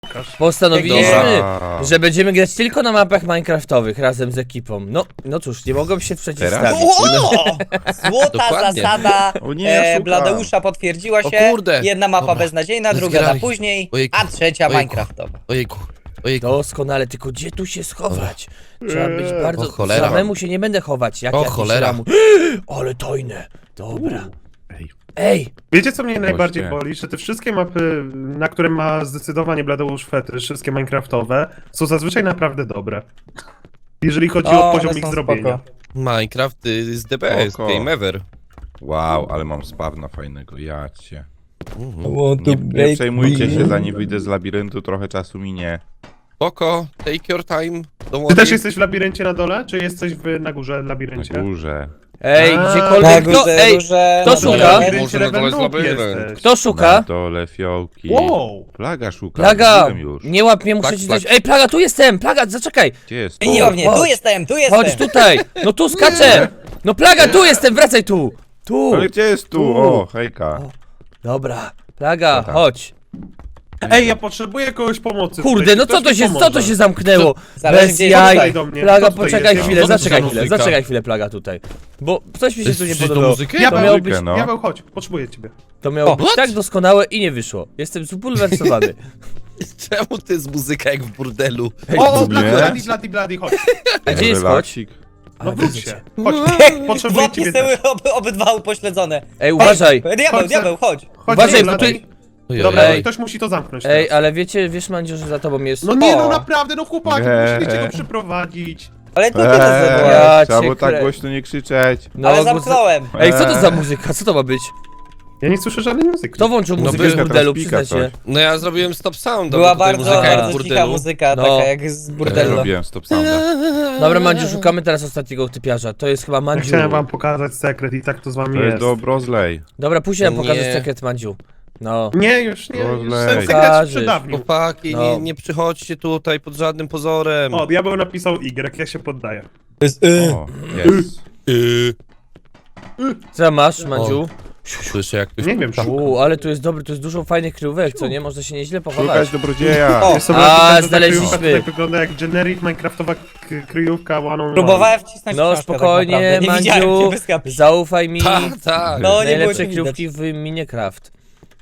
Postanowiliśmy, Dobra. że będziemy grać tylko na mapach minecraftowych razem z ekipą. No cóż, nie mogą się przeciwstawić. O! Złota Dokładnie. zasada O nie, ja szukam. Bladeusza potwierdziła O się. kurde. Jedna mapa Dobra. beznadziejna, druga Zgrali. na później, Ojejku. a trzecia Ojejku. minecraftowa. Ojejku, ojejku. Doskonale, tylko gdzie tu się schować? Trzeba być bardzo... O cholera. Samemu się nie będę chować, jak O jakiś cholera. lamus. Ale tajne. Dobra. Ej. Ej, Wiecie, co mnie najbardziej Właśnie. boli? Że te wszystkie mapy, na które ma zdecydowanie Bladeusz fetysz, wszystkie minecraftowe, są zazwyczaj naprawdę dobre. Jeżeli chodzi o poziom one ich są zrobienia. spoko. Minecraft is the best Oko. game ever. Wow, ale mam spawna fajnego, ja cię. Mhm. Nie przejmujcie się, zanim wyjdę z labiryntu, trochę czasu minie. Spoko, take your time. Don't Ty też worry. jesteś w labiryncie na dole, czy jesteś na górze w labiryncie? Na górze. ej, A, gdziekolwiek, kto, ej, kto Na szuka? labiryncie Może na dole jest Ravenloop labirynt. jesteś. kto Na szuka? dole fiołki. Wow! Plaga szuka. Plaga, Byłem już. nie łap mnie, muszę Tak, ci tak. coś... Ej, Plaga, tu jestem, Plaga, zaczekaj. Gdzie jest? Nie łapnie, tu Chodź. jestem, tu Chodź jestem. tutaj, no tu skaczę. No Plaga, tu jestem, wracaj tu. Tu. Ale gdzie jest tu? Tu. O, hejka. Dobra, Plaga, Co tam? chodź. Ej, ja potrzebuję kogoś pomocy. Kurde, tutaj. no Ktoś co to mi się, co pomoże. to się zamknęło? Zależy, Bez gdzie jaj. Tutaj do mnie. Plaga, Kto tutaj poczekaj jest? chwilę, Co to zaczekaj za chwilę, muzyka? zaczekaj chwilę, Plaga tutaj. Bo coś mi się tu nie Słyszysz tą podobało. muzykę? To miało być, Muzykę, no. Diabeł, chodź, potrzebuję ciebie. to miało O, być tak doskonałe i nie wyszło. Jestem zbulwersowany. Czemu to jest muzyka jak w burdelu? O, nie. Blady, chodź. A gdzie jest chodź? Relaksik. No A, wróć widzicie. się. Chodź, potrzebuję Włopki ciebie były też. obydwa upośledzone. Ej, uważaj. Diabeł, Chodź, diabeł, chodź. Chodź, Uważaj, bo Blady. tu... Ojej. Dobra, Ej. ktoś musi to zamknąć Ej, teraz. ale wiesz Mandziu, że za tobą jest... No nie, O. no naprawdę, no chłopaki, Nie. musieliście go przyprowadzić. Ale to ty to zrobiłeś. Ja Trzeba cię było tak krę- głośno nie krzyczeć. No, Ale bo- zamknąłem. Ej, co to za muzyka? Co to ma być? Ja nie słyszę żadnej muzyki. Kto włączył No muzykę by- z burdelu, teraz pika przyznać się? No ja zrobiłem stop sound. Była tutaj bardzo, muzyka jak w bardzo cicha burdelu. muzyka, No. taka jak z Ja burdelu. robiłem stop sounda. Dobra, Mandziu, szukamy teraz ostatniego typiarza. To jest chyba Ja Mandziu. chciałem wam pokazać sekret i tak to z wami To jest jest. do Brozley. Dobra, później nam pokażesz Nie. sekret Mandziu. No. Nie, już nie, już Rozlej. ten sekret Pokażesz. przedawnił. Chłopaki, No. nie przychodźcie tutaj pod żadnym pozorem. O, diabeł napisał Y, ja się poddaję. O, jest. Co tam masz, Mandziu? Słyszę jak ktoś... Nie wiem, szukam. Ale tu jest dobry, tu jest dużo fajnych kryjówek, co nie? Można się nieźle pochować. Szukać dobrodzieja. O, Jest sobie A, napisane, że ta znaleźliśmy. kryjówka tutaj wygląda jak generic minecraftowa kryjówka one on one. Próbowałem wcisnąć No książkę spokojnie, tak naprawdę. Nie widziałem Mandziu, cię, wyskakuj. zaufaj mi. Tak, tak. No, nie było Najlepsze cię widać. kryjówki w Minecraft.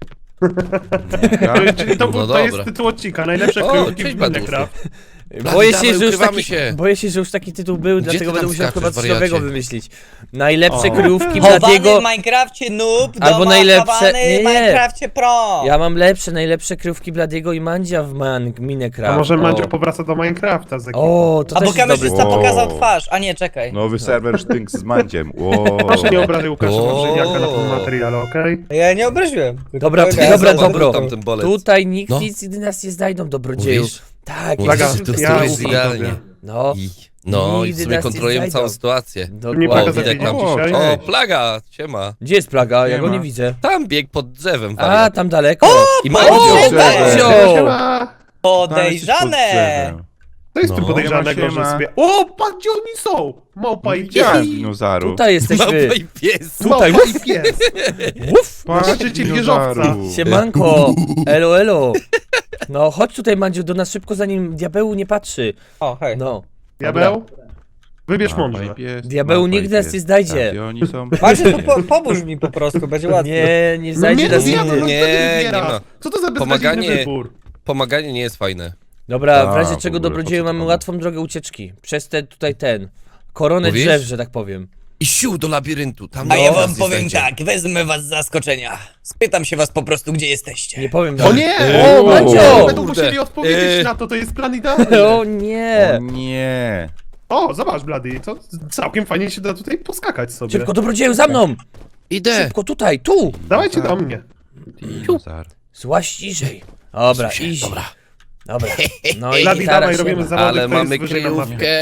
Czyli to, No to jest dobra. tytuł odcinka, najlepsze O, kryjówki cześć, w Baduszu. Minecraft. Boję dawaj, się, że już ukrywamy taki, się. boję się, że już taki tytuł był, dlatego ty będę tam musiał skaczesz, chyba coś wariacie? nowego wymyślić. Najlepsze O. kryjówki Chowany Bladiego. w Minecrafcie noob, Albo doma najlepsze- chowany nie, w nie. Minecrafcie pro. Ja mam najlepsze kryjówki Bladiego i Mandzia w Minecraft. A może O. Mandzio powraca do Minecrafta z ekipą. O, to A bo też jest dobry kamerzysta Wow. pokazał twarz, a nie, czekaj. Nowy serwer Sztynks z Mandziem. Wow. Proszę nie obrażaj Łukasza O. Wawrzyniaka na tym materiale, okej? Ja nie obraziłem. tylko Dobra, powiedziałem, dobra, że- dobro. Tamten bolec. Tutaj nikt No. nic nigdy nas nie znajdą, dobrodzieju. Mówisz? Tak, Mówisz, Plaga, że to ja jest ufam idealnie. tobie. no, No i Nigdy w sumie nas nie kontrolujemy znajdą. całą sytuację. Nie dokładnie. Plaga O, widać zabiegnie nam. dzisiaj? O, O, plaga, siema. Gdzie jest Plaga? Ja Nie go ma. nie widzę. Tam biegł pod drzewem, A, wariat. tam daleko. I O, Mandzio. Mandzio! Siema. Podejrzane! Co jest tu No. podejrzanego, Siema, że siema. sobie... O, patrz gdzie oni są! Małpa i Widziałem pies! dinozaru. Tutaj jesteśmy. Małpa i pies. Tutaj. Małpa i pies! Uf, Zobaczycie wieżowca. siemanko. Elo, elo. No, chodź tutaj, Mandziu, do nas szybko, zanim diabeł nie patrzy. O, hej. No. Diabeł? Wybierz mądrze. Diabeł nigdy nas nie znajdzie. Tak, oni są... Macie, to pomóż mi po prostu, będzie łatwiej. Nie znajdzie no nas diabeł, nigdy. no Nie, kto nie nie wybiera? ma. Co to za beznadziejny Pomaganie. wybór? Pomaganie nie jest fajne. Dobra, w Tak, razie w czego, ogóle, dobrodzieju, po co mamy to? łatwą drogę ucieczki. Przez koronę Mówisz? drzew, że tak powiem. I sił do labiryntu. Tam A ja nas wam nie powiem znajdzie. tak, wezmę was z zaskoczenia. Spytam się was po prostu, gdzie jesteście. Nie powiem. O nie! O, Mandzio! Będą Kurde. musieli odpowiedzieć na to, to jest plan idealny. O nie! O nie. O, zobacz, Blady, to całkiem fajnie się da tutaj poskakać sobie. Szybko, dobrodzieju, za mną! Idę. Szybko, tutaj, tu! Dawajcie do mnie. Dinozar. Złaś niżej. Dobra, easy. Dobra. Dobra. No i Blady, gitara dawaj, siema. robimy zawody, Ale kto jest mamy wyżej na mapie. kryjówkę.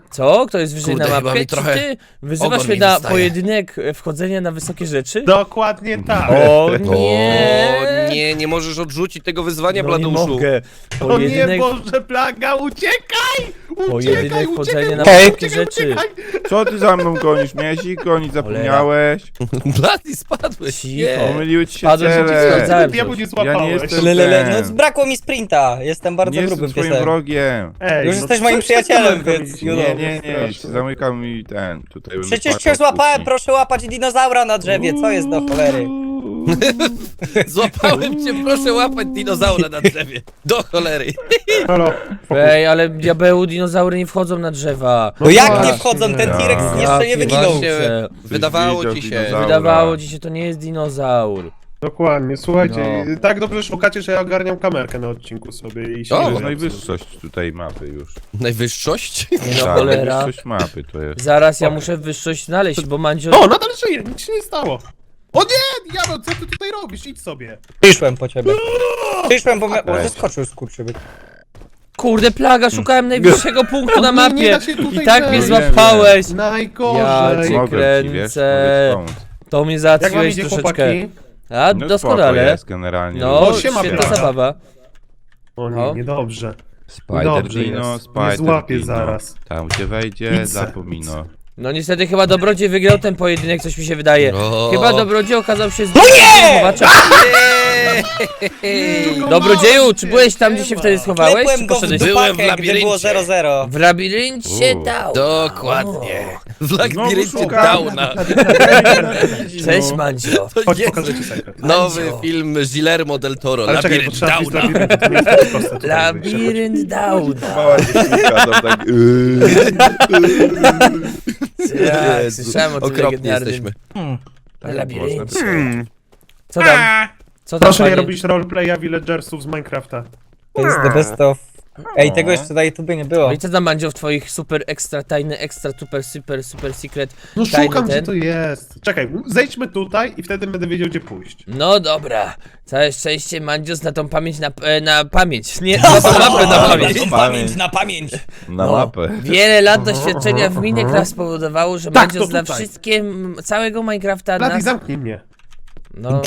Co? Kto jest wyżej Kurde, na chyba mapie? mi Czy trochę ty wyzywasz ogon mnie mi na wystaje. pojedynek wchodzenia na wysokie rzeczy? Dokładnie tak. O O, nie! nie możesz odrzucić tego wyzwania, No nie Bladuszu. mogę. O nie, Pojedynek, Boże, plaga, uciekaj! pojedynek wchodzenia na Hej. wysokie rzeczy. Co ty za mną gonisz? Miałeś ich gonić, zapomniałeś? Blady, spadłeś. Cicho. Pomyliły ci się Spadłem, że ci cele. sprawdzałem Diabłu coś. nie Ja złapałeś. nie jestem Lelele, no ten. brakło mi sprinta. Jestem bardzo Nie jestem grubym twoim piesem. wrogiem. Ej, Już jesteś moim co ty przyjacielem, tam więc robisz? you Nie, know. nie, zamykał mi ten. Tutaj będę Przecież płakał cię w złapałem, kuchni. proszę łapać dinozaura na drzewie, co jest do cholery? Złapałem cię, proszę łapać dinozaura na drzewie. Do cholery. Halo. Ej, ale diabeł, dinozaury nie wchodzą na drzewa. No jak właśnie. nie wchodzą, ten T-Rex Ja jeszcze nie wyginął. Właśnie, Ktoś wydawało widział ci się. dinozaura. Wydawało ci się, to nie jest dinozaur. Dokładnie, słuchajcie, No. tak dobrze szukacie, że ja ogarniam kamerkę na odcinku sobie i się O, To nie jest boję. najwyższość tutaj mapy już. Najwyższość? Nie no, Tak, cholera. najwyższość mapy to jest. Zaraz ja muszę wyższość znaleźć, bo Mandzio... O, nadal żyje, nic się nie stało. O nie, diabeł, co ty tutaj robisz? Idź sobie. Przyszłem po ciebie. Przyszłem, bo Ej. zeskoczył skurczybyk. Kurde, plaga, szukałem najwyższego punktu na O nie, nie mapie da się tutaj i tak mnie wejść. złapałeś. Ja Najgorzej. cię Mogę ci, wiesz, kręcę. mogę ci pomóc. To mnie Jak wam załatwiłeś idzie, troszeczkę. chłopaki? A, No spoko doskonale. jest generalnie. No, O, siema, świetna plaga. zabawa. O No. nie, niedobrze. Spider Dobrze Dino, jest. Spider Nie złapie Dino. zaraz. Tam gdzie wejdzie, Idź se. zapomino. No niestety chyba Dobrodziej wygrał ten pojedynek, coś mi się wydaje. No. Chyba Dobrodziej okazał się z nie! chowaczem. Dobrodzieju, czy byłeś tam, gdzie się wtedy schowałeś? Czy Klepłem go w poszedłeś? Byłem w dupakę, gdy było labiryncie. 0-0. W labiryncie dał. Dokładnie. W labiryncie szukam. Downa. Cześć Mandzio. To Chodź, jest pokażę ci sekret. nowy Mandzio. film Guillermo del Toro. Ale czekaj, bo Labirynt trzeba wyjść z Downa. labiryntu, to nie jest tak proste tutaj wyjść. Labirynt Downa. Mała dziewczynka tam tak... Tak, Jezu, słyszałem o tym okropni legendarnym jesteśmy. labiryncie. Co tam? Co tam, Proszę nie panie? robić roleplaya villagersów z Minecrafta. To jest the best of... Ej, tego jeszcze na YouTubie nie było. No i co tam, Mandzio, w twoich super ekstra tajny, ekstra super secret No tajny szukam, gdzie ten? to jest. Czekaj, zejdźmy tutaj i wtedy będę wiedział, gdzie pójść. No dobra, całe szczęście Mandzios na tą pamięć, na pamięć, nie, na tą mapę na pamięć. Pamięć na pamięć. Na No, mapę. Wiele lat doświadczenia w Minecraft spowodowało, że Tak, Mandzios to zna tutaj. wszystkie, całego Minecrafta Blady, na... zamknij mnie. No,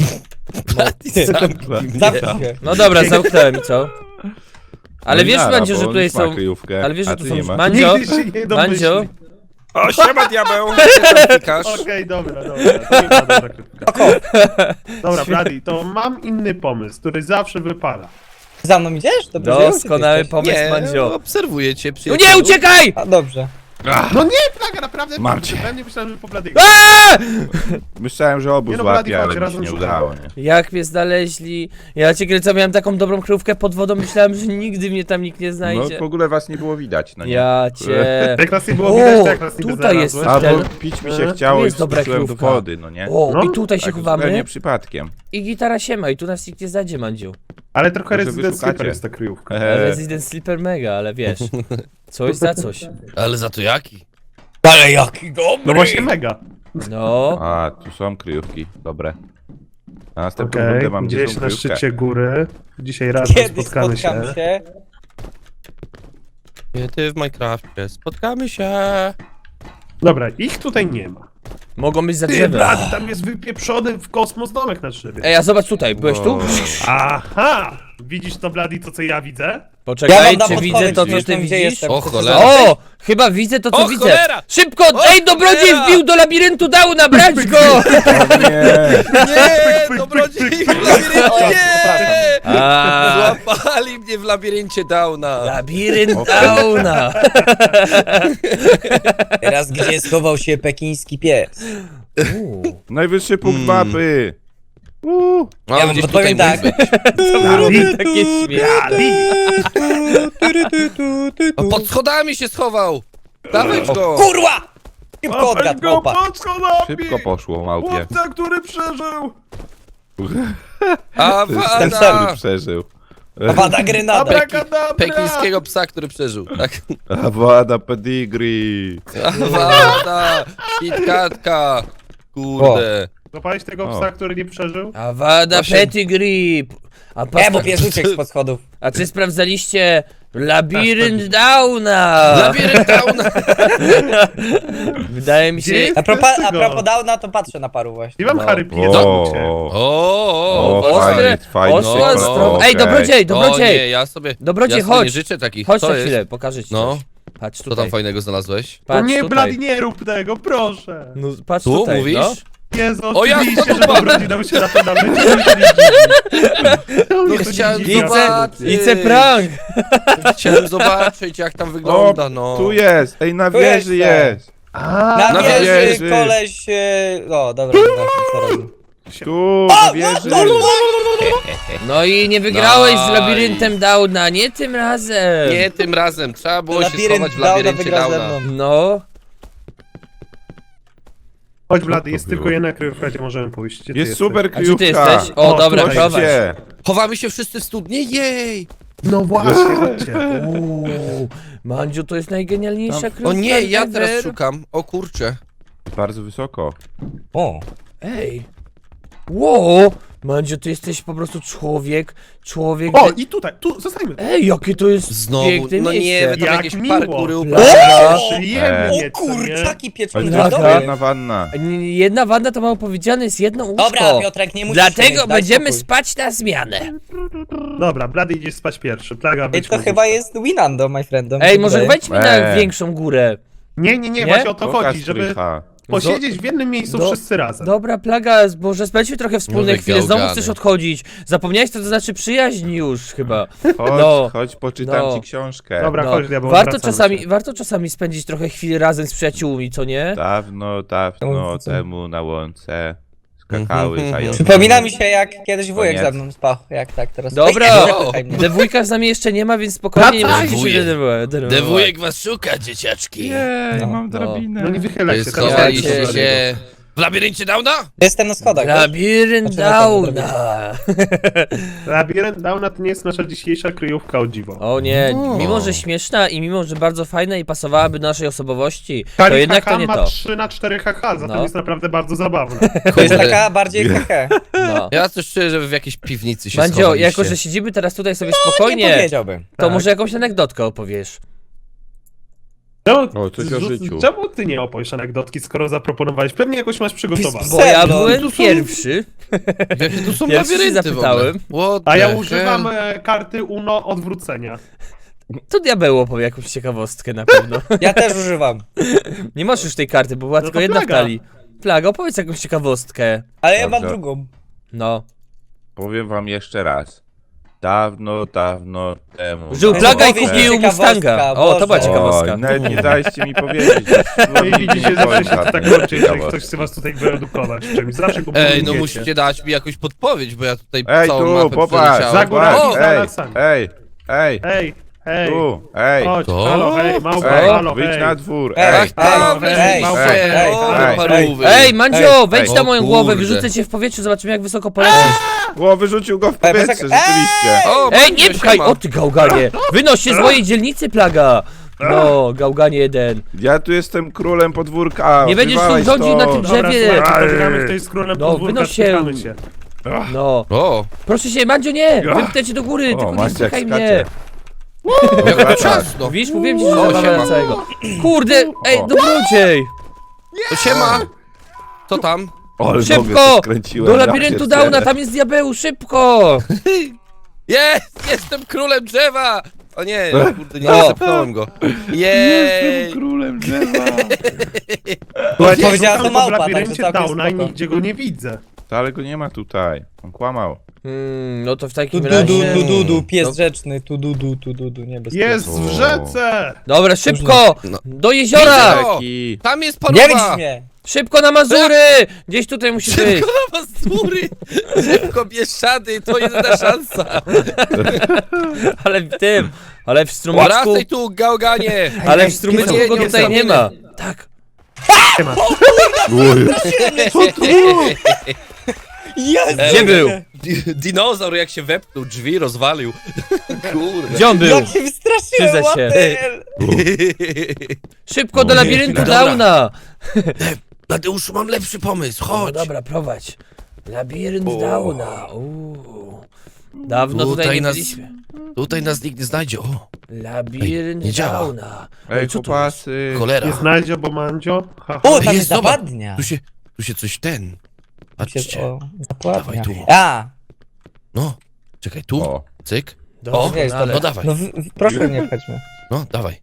Zamknij się. no dobra, zamknąłem i co? Ale No i wiesz, nara, Mandzio, bo że on tutaj już ma są... kryjówkę, Ale wiesz, a że tu ty są... nie masz. Mandzio, Nigdy się nie Mandzio, domyśli. O, siema diabeł! Klikasz. Okej, dobra, to nie ma dobra krytyka. Dobra, Blady, to mam inny pomysł, który zawsze wypala. Za mną idziesz? Dobrze, doskonały pomysł, Nie, Mandzio. obserwuję cię, No przyjacielu. nie, uciekaj! A dobrze. No nie, plaga, naprawdę. Mam cię. Ja nie myślałem, że po Bladiego. Myślałem, że obóz Nie no, Blady, łapie, ale chodź, mi się razem nie szukamy. udało, nie? Jak mnie znaleźli? Ja cię kręcę, miałem taką dobrą kryjówkę pod wodą, myślałem, że nigdy mnie tam nikt nie No znajdzie. w ogóle was nie było widać, no nie? Ja cię... Jak nas nie było widać, to jak nas nie tutaj jest znalazłeś. A ten- bo pić mi się chciało Tu i jest dobra wskoczyłem do kryjówka. wody, no nie? O, No, i tutaj się Tak zupełnie chowamy przypadkiem. i gitara się ma i tu nas nikt nie znajdzie, Mandziu. Ale trochę Może Resident wyszukacie. Sleeper jest ta kryjówka. Resident Sleeper mega, ale wiesz, coś za coś. Ale za to jaki? Ale jaki dobry! No właśnie mega. No, A, tu są kryjówki, dobre. Na następną Okej, rundę mam gdzieś gdzie na kryjówkę. szczycie góry. Dzisiaj razem Kiedy spotkamy się. spotkamy się? Ty w Minecrafcie. Spotkamy się. Dobra, ich tutaj nie ma. mogą być za Ty, drzewem. Blady, tam jest wypieprzony w kosmos domek na drzewie. Ej, a zobacz tutaj, byłeś tu? Aha! Widzisz to, Blady, to co ja widzę? Ja Poczekaj, wam dam czy odpowiedź, widzę to, co wiesz ty tam, gdzie widzisz? jestem. O, Chcecie cholera. zobaczyć? O! Chyba widzę to, co O, widzę. cholera! Szybko! O, Ej, Dobrodziej cholera! wbił do labiryntu Downa, brać go! Nie! Nie, dobrodziej w labiryncie, nie! A, Złapali mnie w labiryncie Downa. labirynt Downa. Teraz gdzie schował się pekiński pies? Najwyższy punkt mapy! No, Ja wam gdzieś podpowiem tutaj tak. Blady, Takie śmieszne. Blady! O, pod schodami się schował. Dawaj go. Kurwa! Szybko odgadł, małpa. pod schodami! Szybko poszło, małpie. Chłopca, który przeżył! Ten sam. który przeżył. Wada grenada. Abracadabra! Pekińskiego psa, który przeżył. Tak. Awada pedigree. Wada, KitKatka. Kurde. Złapałeś tego O. psa, który nie przeżył? Awada Właśnie- pedigree. A, Nie, bo pies uciekł spod schodów. a czy sprawdzaliście Labirynt Downa! Labirynt Downa! Wydaje mi się... Gdzie? A propos Tego. Downa, to patrzę na paru właśnie. Nie mam No. Harry Pierdolę cię. O, Ostre, fajnie, ostre, fajnie. ostro... Okej. Ej, dobrodziej, O nie, dobrodziej! ja sobie Dobrodziej, ja sobie chodź. nie życzę takich. Chodź Co na jest? chwilę, pokażę ci No. coś. Patrz Co tam tutaj. fajnego znalazłeś? To Patrz nie, tutaj. Blady, nie rób tego, proszę. No, patrz Tu tutaj, mówisz? no. Jezu, O, ja oczywiście, to że dobrodzi dał się na to nawet. No chciałem Widzę, zobaczyć. widzę prank! Chciałem zobaczyć jak tam wygląda, no. Tu jest, ej, na Tu wieży jestem. jest. Na Na wieży wieży. koleś... O, dobra, co robię. Tu, na wieży. No i nie wygrałeś z Nice. labiryntem Downa, nie tym razem! Nie tym razem, trzeba było się Labirynt schować w Downa labiryncie wygrał ze Downa. mną. No. Chodź, Blady, jest to tylko było? jedna kryjówka, gdzie możemy pójść. Gdzie ty Jest jesteś? super A gdzie ty kryjówka. jesteś? O, O, dobra, tutaj prowadź. Chodźcie. Chowamy się wszyscy w studni? Jej! No właśnie, chodźcie. Uuu, Mandziu, to jest najgenialniejsza kryjówka O nie, ja ever. teraz szukam. O kurczę. Bardzo wysoko. O. Ej. Wow, Mandziu, ty jesteś po prostu człowiek... O, i tutaj, tu, zostańmy. Ej, jakie to jest Znowu, piękne no nie, miejsce. wy tam Jak jakieś miło. parkury Plaga. Przyjemnie, O kurczaki pieczone Ale to jest Plaga. dobre. jedna wanna. Jedna wanda to mało powiedziane, jest jedno łóżko. Dobra, Piotrek, nie musisz Dlatego siedzieć, daj będziemy spokój. spać na zmianę. Dobra, Blady idziesz spać pierwszy. Plaga, Ej, być to chyba jest Winando, my friend. Ej, może wejdźmy na Ej. większą górę. Nie, Nie? właśnie o to Pokaż chodzi, żeby strycha. posiedzieć w jednym miejscu Do- wszyscy razem. Dobra, Plaga, może spędźmy trochę wspólne Nowe chwile, znowu gałgany. chcesz odchodzić. Zapomniałeś, co to znaczy przyjaźń już chyba. Chodź, No. chodź, poczytam No. ci książkę. Dobra, No, chodź, diabeł, wracamy się. warto czasami spędzić trochę chwil razem z przyjaciółmi, co nie? Dawno Łące. temu na łące skakały zające. Przypomina mi się, jak kiedyś wujek Koniec. ze mną spał. Jak tak teraz. Dobra. Ej, nie zapychaj mnie. Dewójka z nami jeszcze nie ma, więc spokojnie nie Wracaj! musicie się denerwować. Dewujek was szuka, dzieciaczki. Jej, No. mam drabinę. No nie wychylaj się, teraz Schowaliście Słuchajcie. się w labiryncie Downa? Jestem na schodach. wiesz? Labirynt Znaczy, na pewno Downa. Labirynt Downa to nie jest nasza dzisiejsza kryjówka, o dziwo. O nie, O. mimo że śmieszna i mimo że bardzo fajna i pasowałaby do naszej osobowości, to Kali jednak HH to nie ma to. 3 na 4 HH, zatem No. jest naprawdę bardzo zabawne. To jest taka bardziej hehe. No. Ja też czuję, że wy w jakiejś piwnicy się Mandzio, schowaliście. jako że siedzimy teraz tutaj sobie Nie spokojnie, powiedziałbym. to Tak. może jakąś anegdotkę opowiesz. No, O, coś o życiu. Czemu ty nie opowiesz anegdotki, skoro zaproponowałeś? Pewnie jakoś masz przygotowane. Bo ja Serio? byłem Tu są- pierwszy. Jakie tu są Ja się labirynty zapytałem. w ogóle? What A ja the używam hell? karty UNO odwrócenia. To diabeł opowie jakąś ciekawostkę na pewno. Ja też używam. Nie masz już tej karty, bo była No tylko to jedna w Plaga. talii. Plaga, opowiedz jakąś ciekawostkę. Ale ja mam Dobrze. drugą. No. Powiem wam jeszcze raz. Dawno temu. Żył No, Plaga i opowiedz kupił ciekawostka, Mustanga. O, to była Boże. ciekawostka. Oj, nawet nie daliście mi powiedzieć. No i widzicie, zawsze się żadnej tak kończy, jeżeli ciekawostki. ktoś chce was tutaj wyedukować w czymś. Zawsze go Ej, no próbujecie. musicie dać mi jakąś podpowiedź, bo ja tutaj Ej, całą tu, mapę popatrz, przeleciałem. Za górami, popatrz, za ej, lasami. ej, Hej, tu, ej, chodź, To? halo, hej, małpa, ej, halo, wyjdź hej. na dwór, Ej, ej. halo, weź ej, małpę, ej, o, ej, parówy. Ej, Mandzio, wejdź ej. na moją O głowę, kurde. wyrzucę cię w powietrze, zobaczymy jak wysoko polecisz. O, wyrzucił go w Ej, powietrze, wysoko- rzeczywiście. O, Ej, Mandzio, nie pchaj! siema. O ty gałganie! Wynoś się z mojej dzielnicy, Plaga! No, gałganie jeden. Ja tu jestem królem podwórka. Nie będziesz tu wywalaj rządził na tym stąd. Dobra, drzewie. słuchajcie, pobieramy tutaj z królem No, podwórka, wynoś się. spychamy się. No. O, Proszę się, Mandzio, nie! Wypnę cię do góry, tylko nie Maciek spychaj skacze. mnie! jak to ciasno. Widzisz, mówiłem ci, że O, zabawę siema. na całego. Kurde, ej, O. dobrodziej! To siema. Co tam? O, ale nogę Szybko! się skręciłem, Do ja labiryntu pierdzielę. Downa, tam jest diabeł, szybko! Jest! Jestem królem drzewa! O nie, kurde, nie O. zepchnąłem go. Jej! Jestem królem drzewa. Słuchajcie, Powiedziała szukam to go w małpa, labiryncie także całkiem Downa i spoko. nigdzie go nie widzę. To, ale go nie ma tutaj. On kłamał. No to w Tu takim du razie... du du du, pies No. rzeczny, tu du du, niebezpieczny. Jest w rzece! Dobra, szybko! No. Do jeziora! Widzę. Taki... Tam jest Nie paruwa! widzisz mnie! Szybko na Mazury! Gdzieś tutaj musi być. Szybko na Mazury! Szybko Bieszczady, to jedyna szansa! Ale w strumyczku... Wracaj tu, gałganie! Ale w strumyczku Nie, go nie tutaj nie ma. Tak. Jest! Gdzie był? Dinozaur jak się wepnął, drzwi rozwalił. Kurde. Gdzie on był? Jak się wystraszyłem, Przyznaj what się. the hell? Szybko do labiryntu Dobra. Downa! Tadeuszu, mam lepszy pomysł, No chodź! dobra, prowadź. Labirynt O. Downa. Uuu. Dawno tutaj Tutaj nie nas- byliśmy. Tutaj nas nikt nie znajdzie. O, Labirynt Ej, nie działa. Downa. Ej, co to chłopacy. cholera. Nie znajdzie, bo Mandzio. Ha, ha. O, tam Ej, jest zobacz. zapadnia. Tu się coś ten. Się, Patrzcie. o, zapadnia. Dawaj tu. A, No, czekaj, tu. O. Cyk. Doskonale. wiesz, No dawaj. no proszę nie wchodźmy. No, dawaj.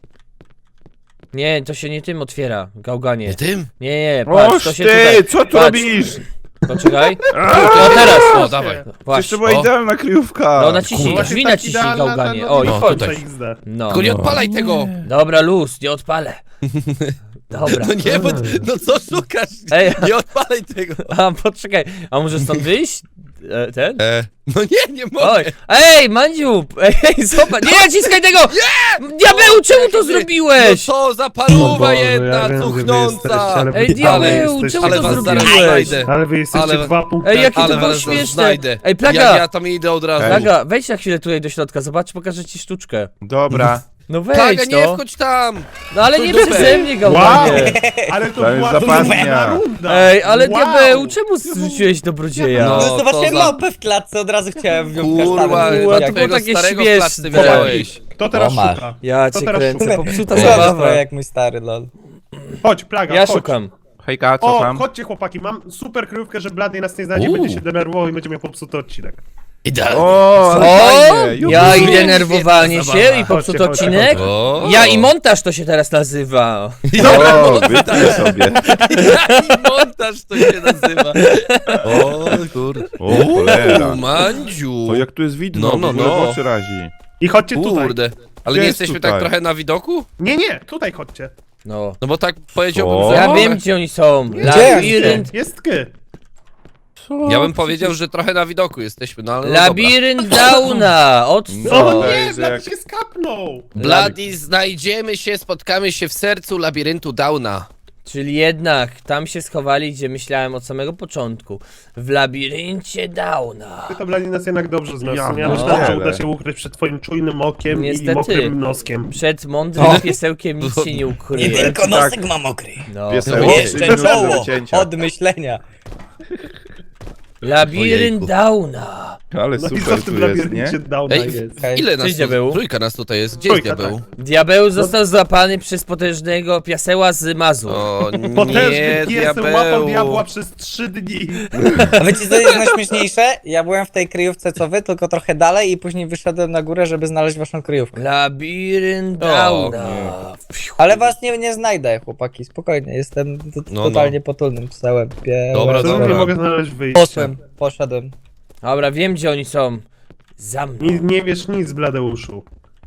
Nie, to się nie tym otwiera, gałganie. Nie tym? Nie, patrz, Oż to się ty, tutaj... co tu patrz. robisz? Poczekaj. O, teraz. O, dawaj. Przecież to Właśnie. była O. idealna kryjówka. No naciśnij, Kurwa. drzwi Tak naciśnij, idealna gałganie. na- O, i No, chodź. tutaj. XD. No. Tylko nie odpalaj tego! Dobra, luz, nie odpalę. Dobra. No nie, bo, no co szukasz? Ej. Nie odpalaj tego! A, poczekaj, a może stąd wyjść? Ten? No nie mogę! Oj, ej, Mandziu! Ej, zobacz, nie naciskaj tego! Diabeł, czemu to No zrobiłeś? co za O paruwa Boże, ja jedna, wiem, gdzie wy cuchnąca! jesteście, ale wy- Ej, ale diabeł, jesteście- czemu Ale to was zaraz zrobiłeś? znajdę! Ale wy jesteście Ale- 2 punkty. Ej, jakie to Ale było was śmieszne. znajdę! Ej, Plaga! Ja tam idę od razu. Ej. Plaga, wejdź na chwilę tutaj do środka, zobacz, pokażę ci sztuczkę. Dobra. No Plaga, wejdź, nie no. wchodź tam! No ale nie Dupę. przeze mnie, Wow! gałganie. Ale to To jest była zapadnia. trudna runda. Ej, ale Wow. diabeł, czemu zrzuciłeś dobrodzieja? No. No zobaczyłem co za- małpę w klatce, od razu chciałem ją Kurwa, kasztanem. Ua, Jak- to było twojego takie starego śmieszne. w klatce widziałeś. Kto teraz O, masz. szuka? Ja To cię teraz kręcę, szukaj. popsuta Słabo zabawa. trochę jak mój stary, lol. Chodź, Plaga, Ja chodź. szukam. Hejka, co O, tam? chodźcie chłopaki, mam super kryjówkę, że Blady nas nie znajdzie, Uuu. będzie się denerwował i będzie miał popsuty odcinek. Idealnie. O, ale O, fajnie. Juhu. ja i Świetna denerwowanie zabawa. się i popsuty Chodźcie, chodźcie, odcinek. O. Ja i montaż to się teraz nazywa. O, wytnij sobie. I montaż to się nazywa. O kurde. O, cholera. Mandziu. O, jak tu jest widno, No, no, w ogóle no. w oczy razi. I chodźcie tutaj. Kurde. Ale Gdzie nie jest jesteśmy tutaj? tak trochę na widoku? Nie, tutaj chodźcie. No. No bo tak powiedziałbym, Co? że... Ja wiem, gdzie oni są. Gdzie? Labirynt. Jest ky. Ja bym powiedział, że trochę na widoku jesteśmy, no ale no Labirynt Downa. O Odstąp. To nie, jest Blady jak- się skapnął. Bloody, znajdziemy się, spotkamy się w sercu labiryntu Downa. Czyli jednak tam się schowali, gdzie myślałem od samego początku. W labiryncie Downa. Ty to Blady nas jednak dobrze znasz. Ja Ja myślałem, że pierdzielę. uda się ukryć przed twoim czujnym okiem Niestety. i mokrym noskiem. Przed mądrym piesełkiem nic się nie Nie ukryje. tylko Tak. nosek ma mokry. No. Piesełek. Jeszcze Minutę do czoło wycięcia. od myślenia. Labirynt Ojejku. Downa. Ale No i co super w tu tym jest, nie? labiryncie Downa Ej, jest? Hej. ile nas Cześć, tu, diabeł. trójka nas tutaj jest, gdzie jest Trójka, diabeł? Diabeł został złapany przez potężnego piaseła z Mazur. O Potężny nie, pies łapał diabła diabeł. przez 3 dni. A wiecie co jest najśmieszniejsze? Ja byłem w tej kryjówce co wy, tylko trochę dalej i później wyszedłem na górę, żeby znaleźć waszą kryjówkę. Labirynt O, Downa. Ale was nie znajdę, chłopaki, spokojnie, jestem No, totalnie potulnym psełem. Dobra, To dobra. nie mogę znaleźć wyjścia. Poszedłem. Dobra, wiem, gdzie oni są. Za mną. Nie wiesz nic, Bladeuszu.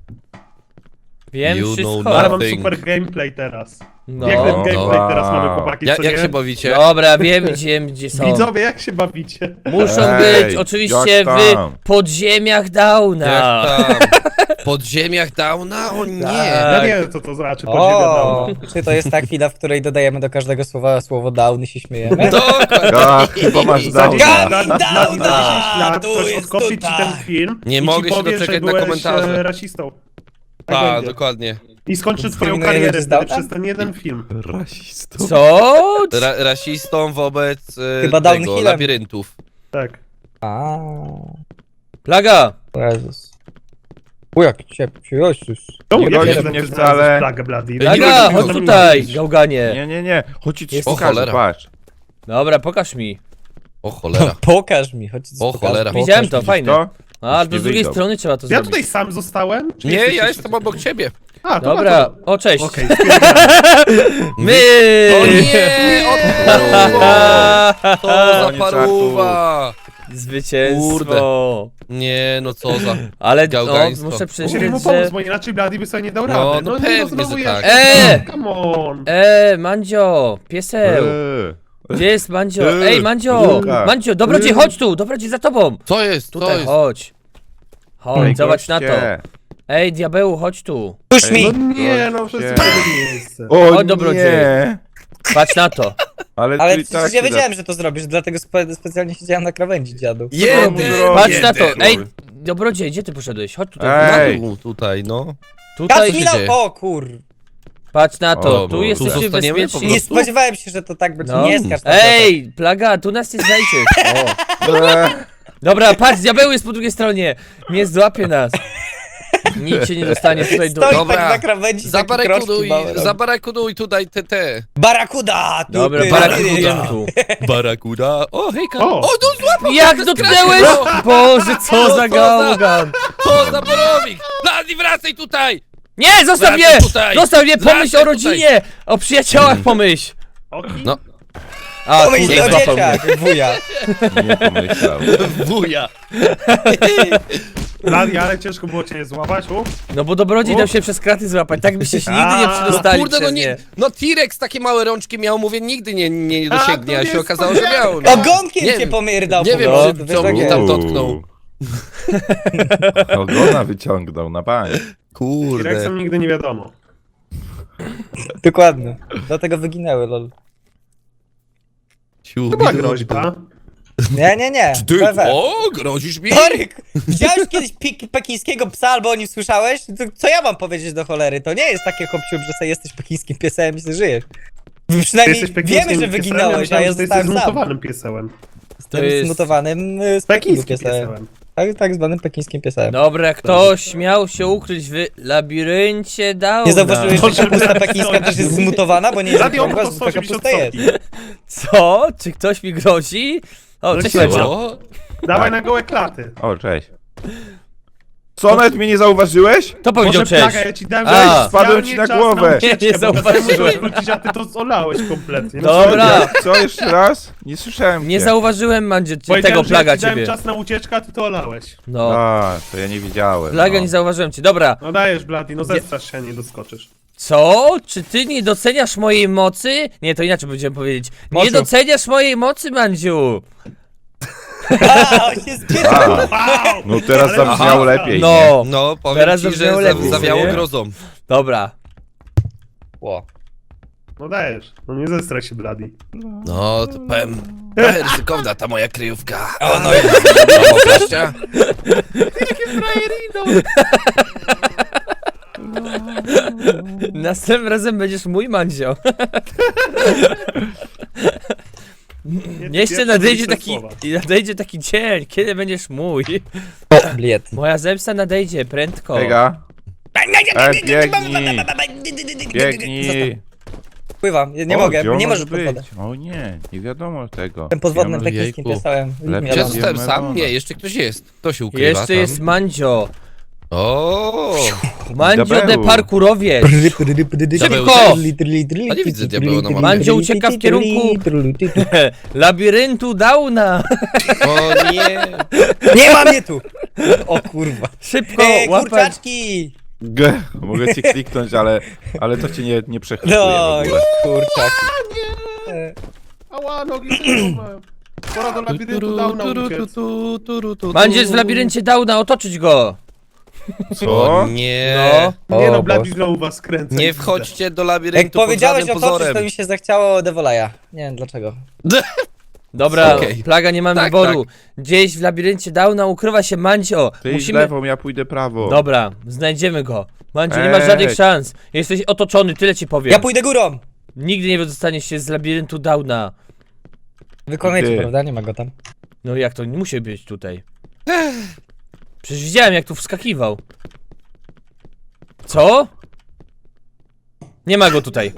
Wiem You know wszystko. Ale mam Nothing. super gameplay teraz. No. Jak ten No. gameplay Wow. teraz mamy, chłopaki, co Jak nie? się bawicie? Dobra, gdzie są. Widzowie, jak się bawicie? Muszą Ej, być oczywiście jak w tam? podziemiach Downa. Jak tam? W podziemiach Downa? O nie! Ja Tak. nie wiem, co to znaczy podziemia O, Downa. czy to jest ta chwila, w której dodajemy do każdego słowa słowo down i się śmiejemy? Dokładnie. A, chyba masz Za 10 downa. lat, za 10 lat tu ktoś jest odkopi ci tutaj. ten film Nie i ci mogę się powie, doczekać że na byłeś, komentarze. rasistą. Tak Tak, będzie. dokładnie. I skończy twoją Wspominujemy karierę cię z wtedy Downa? przez ten jeden film. Rasistą. Co? Rasistą wobec Chyba tego, downhillem. labiryntów. Tak. A, Plaga. Jezus. O, jak ciepło, Jezus. Czemu Nie ja gonisz wiem, mnie że ty wcale. znalazłeś Plagę, Bloody? Nie Plaga, mogę chodź tego tutaj, mówić. gałganie. Nie, chodź ci coś Jest- O, pokażę, cholera. patrz. Dobra, pokaż mi. O cholera. Pokaż mi, chodź ci O, pokażę. cholera. Pokaż Widziałem mi. to, fajne. To? A, Już to nie z drugiej wyjdą. strony trzeba to Ja zrobić. tutaj sam zostałem? Czy Nie, jesteś ja jeszcze jestem tutaj? obok ciebie. A, to Dobra, o cześć. Okej, My! O nie! Odparuwa! To za Koniec paruwa! Zwycięstwo. Nie, no co za... Ale no, Gałgaństwo. muszę Musieli mu przyznać, pomóc, że... bo inaczej Bloody by sobie nie dał No, rady. no nie, pewnie, znowu że ja. tak. Come on. Mandzio, pieseł. Gdzie jest Mandzio? Ej, Mandzio! Luka. Mandzio, dobrodziej, chodź tu! Dobrodziej za tobą! Co jest? Co Tutaj, jest? chodź. Chodź, zobacz na to. Goście. Ej, diabeł, chodź tu. Puść mi! No nie, no wszyscy Nie. w jednym miejsce. O Chodź, dobrodziej. nie! Patrz na to. Ale, Ale tu i przecież tak ja się da- wiedziałem, że to zrobisz, dlatego specjalnie siedziałem na krawędzi, dziadu. Jeden! Patrz na to. jeden. Ej, dobrodziej, gdzie ty poszedłeś? Chodź tutaj. Ej. Na dół tutaj, no. Tutaj, Patrz mi się dzieje? na... O kur... patrz na to. O, Tu bo- jesteście tu zostaniemy po bezpieczni. Nie prostu? spodziewałem się, że to tak będzie. No. Nie skarż na Ej, plaga, tu nas nie znajdziesz. O. Dobra, patrz, diabeł jest po drugiej stronie. Nie złapie nas. Nic się nie dostanie tutaj do... Stoi Dobra. tak na krawędzi, taki kroczki małe. Zabarakuduj tutaj te. Barakuda! Tu, Dobra, ty, barakuduję tu. Barakuda. O, hejka. O! O, no złapał! Jak dotknęłeś? Boże, co za gałgan. Co za borowik! Blady, wracaj tutaj! Nie, zostaw mnie! Wracaj tutaj! Zostaw mnie, pomyśl Wracaj o rodzinie! O przyjaciołach pomyśl! Oki? No. A, Pomyśl kurde, o złapał mnie. dzieciach, wuja. Nie pomyślał. Wuja. Bladi, ale ciężko było cię złapać, No bo dobrodziej dał się przez kraty złapać, tak byście się nigdy nie przedostali Kurde, no przez nie. nie. No T-Rex takie małe rączki miał, mówię, nigdy nie dosięgnie, to a nie się jest okazało, że miał. No. Ogonkiem Nie cię wiem. pomyrdał Nie po wiem, prostu, czy wiesz, co jak mi jest. tam dotknął. Ogona wyciągnął na bank. Kurde. T-Rexem nigdy nie wiadomo. Dokładnie. Dlatego wyginęły, lol. To była groźba. Nie. Ty, Wewe. o, grozisz mi? Toryk, widziałeś kiedyś pekińskiego psa, albo o nim słyszałeś? To co ja mam powiedzieć do cholery? To nie jest takie hopciu, że sobie jesteś pekińskim piesem i sobie żyjesz. Ty Przynajmniej jesteś wiemy, pekińskim że piesem, wyginąłeś, a myślałem, ja że ty jesteś zostałem sam. zmutowanym piesełem. To jest- jest zmutowanym z Pekińskim Pekińskim piesem. piesełem. Tak zwanym pekińskim piesem. Dobra, ktoś miał się ukryć w labiryncie Downa. Nie zauważyłeś, To, że że kapusta tak pekińska stoisz. też jest zmutowana, bo nie jest Bladi, on okrągła, po zwykła 180 kapusta jest. stopni. Co? Czy ktoś mi grozi? O, No cześć siema. Medzio. O, Dawaj na gołe klaty. O, cześć. Co, nawet mnie nie zauważyłeś? To powiedział Może cześć. plaga, ja ci dałem A. specjalnie Spadłem ci na czas głowę. ucieczkę, Nie bo kazałem zauważyłem. mu wrócić, a ty to olałeś kompletnie. No, Dobra. Co, jeszcze raz? Nie słyszałem Nie cię. zauważyłem, Mandzie, Powiedziałem, tego że plaga ja ci dałem ciebie. czas na ucieczkę, a ty to olałeś. No, A, to ja nie widziałem. plaga no. nie zauważyłem cię. Dobra, No dajesz, Bladi, no zestrasz się, a nie doskoczysz. co? Czy ty nie doceniasz mojej mocy? Nie, to inaczej będziemy powiedzieć. Nie Mociu. doceniasz mojej mocy, Mandziu! A, on się spierdolił. Wow! No teraz Ale- zabrzmiało Aha. lepiej, nie? No, no, powiem Teraz ci, że zabrzmiało lepiej, zawiało nie? grozą. dobra. Ło. No dajesz, no nie zestraj się, Bladi. No, to powiem, ryzykowna ta moja kryjówka. O, no Brawo, Kaścia. Następnym razem będziesz mój Mandzio. Jeszcze nadejdzie taki dzień, kiedy będziesz mój. Bliet. Moja zemsta nadejdzie prędko. Ega. Biegnij. Biegnij. Pływam, nie O, mogę, gdzie on nie może możesz pod być? wodę. O nie, nie wiadomo tego. Jestem podwodnym Ja pekińskim Jejku. piesem. Lepiej Ja Wiadomo. zostałem sam? Wiadomo. Nie, jeszcze ktoś jest. Kto się ukrywa Jeszcze tam? jest Mandzio. O, Mandzio de Diabeł. parkurowiec. Szybko! A nie widzę diabeła na mapie. Mandzio ucieka w kierunku labiryntu Downa. o nie. Nie ma mnie tu! O kurwa. Szybko, łapać. Kurczaczki! Mogę cię kliknąć, ale to cię nie przechwytuje w No, ogóle. kurczak. Ała, nogi się Pora do labiryntu Downa uciec. Mandzio jest w labiryncie Downa, otoczyć go. Co? O nie. No. Nie O, no, Bladi Boże. znowu was kręcę. Nie wchodźcie do Jak labiryntu pod powiedziałeś żadnym o toczyć, pozorem. to mi się zachciało Devolaja. Nie wiem dlaczego. Dobra, Okej. plaga, nie mam Tak, wyboru. Gdzieś w labiryncie Downa ukrywa się Mandzio. Ty idź lewą, ja pójdę prawo. Dobra, znajdziemy go. Mandzio, nie masz żadnych Ej. szans. Jesteś otoczony, tyle ci powiem. Ja pójdę górą! Nigdy nie wydostaniesz się z labiryntu Downa. Wykonajcie, Ty. prawda? Nie ma go tam. No jak to, nie musi być tutaj. Przecież widziałem, jak tu wskakiwał. Co? Nie ma go tutaj.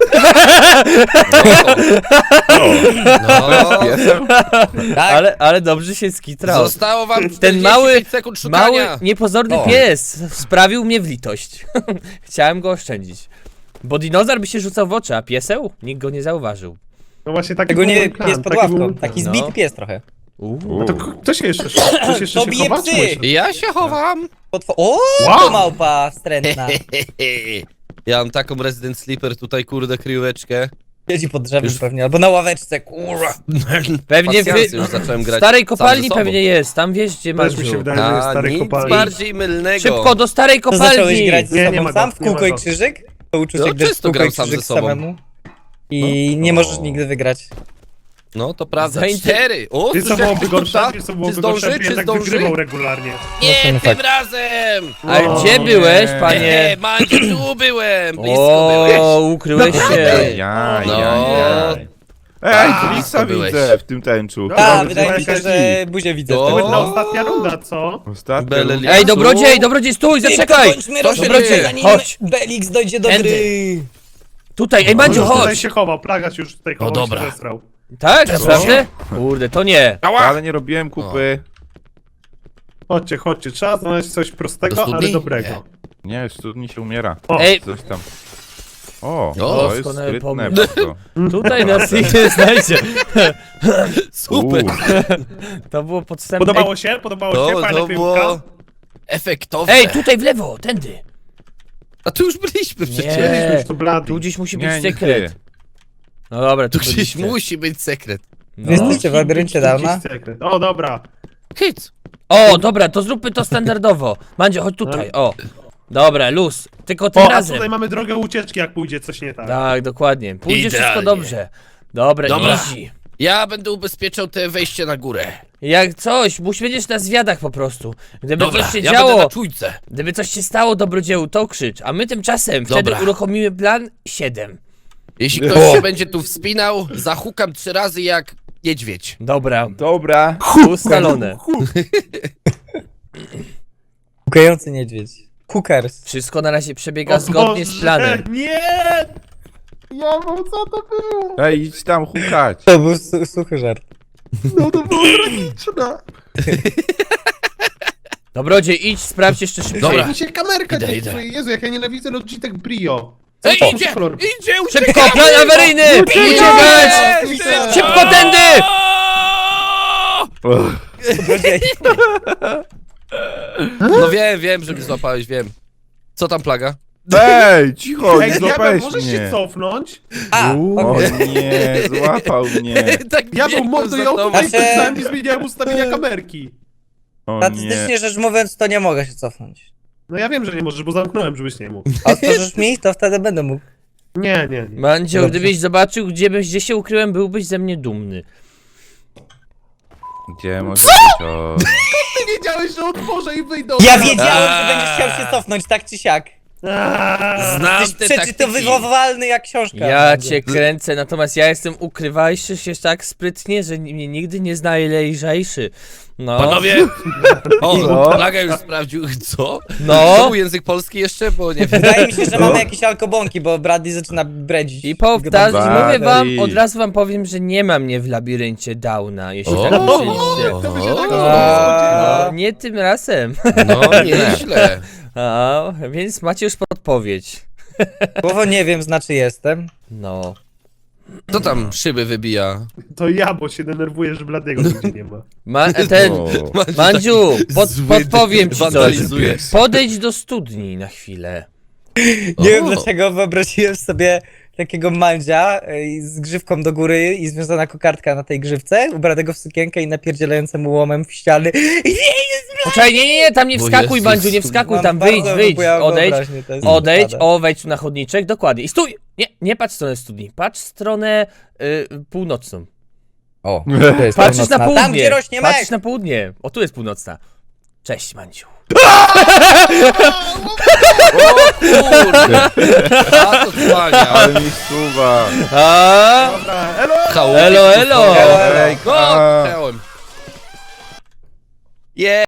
No, Piesem? Tak? Ale dobrze się skitrał. zostało wam 45 Ten mały, sekund szukania. mały, niepozorny O. pies sprawił mnie w litość. Chciałem go oszczędzić. Bo dinozaur by się rzucał w oczy, a pieseł? Nikt go nie zauważył. No właśnie taki Tego był nie mój plan, pies pod taki był ławką. mój plan. Taki No. zbity pies trochę. U. A to kto się jeszcze Ktoś jeszcze To się bije chowa? psy. Czy myślisz? Ja się chowam. O, Wow. to małpa wstrętna. Ja mam taką Resident Sleeper tutaj, kurde, kryjóweczkę. Siedzi pod drzewem pewnie, albo na ławeczce, kurwa. Pewnie Pasjansy już zacząłem w grać starej sam kopalni ze sobą. pewnie jest, tam wiesz gdzie masz. Też mi się wydaje, że jest A, stary nic kopalni. bardziej mylnego. Szybko do starej To zacząłeś kopalni! grać ze Nie, sobą nie ma sam go, w nie ma kółko i go. krzyżyk? To uczucie, No, gdy w często kółko i gram sam krzyżyk ze sobą. samemu. I nie możesz nigdy wygrać. No to prawda, Zainter- 4. O, Wiesz co słyszę, byłoby jak gorsze? ktoś Wiesz co Czy byłoby zdąży, gorsze? czy Jednak zdąży? wygrywał regularnie. Nie, No, tym tak. razem! A O, gdzie nie. byłeś, panie? Mandziu, tu byłem! Blisko byłeś. O, ukryłeś się. Jaj, No. jaj, jaj. Ej, A, Blixa byłeś. widzę w tym tęczu. Dobra, A, Dobra, wydaje mi się, jakaś że buzię widzę. O! To w tym. będzie ostatnia runda, co? Ostatnio. Beleli- Ej, dobrodziej, stój, Szybko zaczekaj! kończmy Co się rozgrywkę, dzieje? zanim Chodź. Belix dojdzie do Tędy. gry. Tutaj, ej, Mandziu, On już tutaj chodź! się chował, Plaga się już tutaj chował, dobra. się zesrał. Tak, naprawdę? Kurde, to nie. Ale nie robiłem kupy. Chodźcie, trzeba znaleźć coś Do prostego, studni? ale dobrego. Nie, w studni się umiera. O, Ej, Coś tam. O, O, to jest doskonały sprytne pomysł. bardzo. tutaj nas nikt nie znajdzie. Super. To było podstępne. Podobało się? Podobało się? To, Fajna to kryjówka? było efektowne. Ej, tutaj w lewo, tędy. A tu już byliśmy przecież. Byliśmy już tu bladi. Tu gdzieś musi być Nie, nie sekret. ty. No dobra, Tu tu gdzieś byliście. musi być sekret. No. Jesteście w labiryncie dawna? Jakiś sekret. O, dobra. Hit. O, dobra, to zróbmy to standardowo. Mandzio, chodź tutaj, o. Dobra, luz. Tylko tym O, a razem. tutaj mamy drogę ucieczki, jak pójdzie coś nie tak. Tak, dokładnie. Pójdzie Idealnie. wszystko dobrze. Dobra, Dobra. easy. Ja będę ubezpieczał te wejście na górę. Jak coś, będziesz na zwiadach po prostu. Gdyby Dobra, coś się ja będę działo, na czujce. gdyby coś się stało dobrodzieju, to krzycz. A my tymczasem wtedy Dobra. uruchomimy plan 7. Jeśli ktoś się będzie tu wspinał, zahukam 3 razy jak niedźwiedź. Dobra, Dobra. ustalone. Hukający niedźwiedź. Hookers. Wszystko na razie przebiega O zgodnie z Boże, planem. Nie! Ja mam co to było? Ej, idź tam hukać. To był suchy żart. No to było tragiczne. Dobrodziej, idź, sprawdź jeszcze szybciej. Dobra. Mi się kamerka Idę, nie idę. chce. Jezu, jak ja nienawidzę logitek Brio. Ej, Co to idzie! za kolor? Idzie! Szybko, plan awaryjny! Uciekać! Szybko tędy! Dobrodziej. No wiem, że mnie złapałeś, wiem. Co tam plaga? Ej, cicho, Ej, nie diabeł, złapałeś możesz się mnie. cofnąć? A, O okej. nie, złapał mnie. Tak Ja był biegłem mordo, za ja tobą. tutaj Znaczy- pisałem i zmieniałem ustawienia kamerki. O nie. Statystycznie rzecz mówiąc, to nie mogę się cofnąć. No ja wiem, że nie możesz, bo zamknąłem, żebyś nie mógł. A otworzysz mi, to wtedy będę mógł. Nie. Mandzio, Dobrze. gdybyś zobaczył, gdzie się ukryłem, byłbyś ze mnie dumny. Gdzie może być o... Ty wiedziałeś, że otworzę i wyjdę. Ja wiedziałem, że będziesz chciał się cofnąć, tak czy siak. Znam Jesteś te taktyki. przeczytowywalny jak książka. Ja cię kręcę, natomiast ja jestem ukrywajszy się tak sprytnie, że mnie nigdy nie znajlejżejszy. No. Panowie! O, Co? plaga już sprawdził. Co? No. To był język polski jeszcze? Bo nie wiem. Wydaje mi się, że mamy jakieś alkobąki, bo Bradley zaczyna bredzić. I powtarzam, Chyba mówię wam, Bali. od razu wam powiem, że nie ma mnie w labiryncie Downa, jeśli O. tak myślicie. To by się tak No, nie tym razem. No, nieźle. A, więc macie już podpowiedź. Słowo nie wiem znaczy jestem. No. Co tam szyby wybija? To ja, bo się denerwuję, że Bladiego nigdzie nie ma. Mandziu, Zły podpowiem ci coś. wandalizuje. Podejdź do studni na chwilę. Nie wiem O. dlaczego wyobraziłem sobie takiego mandzia z grzywką do góry i związana kokardka na tej grzywce, ubranego w sukienkę i napierdzielającemu łomem w ściany. Poczekaj, nie, tam nie Bo wskakuj, Jezus. Mandziu, nie wskakuj, Mam tam bardzo wyjdź, bujałą odejdź, wyobraźnię, to jest odejdź, zasada. o, wejdź tu na chodniczek, dokładnie. I stój! Nie patrz w stronę studni, patrz w stronę północną. O, to jest Patrzysz na północna. południe, Tam, gdzie rośnie patrzysz mek! na południe. O, tu jest północna. Cześć, Mandziu. O kurde! A to tłania. Ale mi suwa. A, Dobra, elo! Chałupy elo, tu elo. wchodzą. Ej, O, a. chciałem. Je!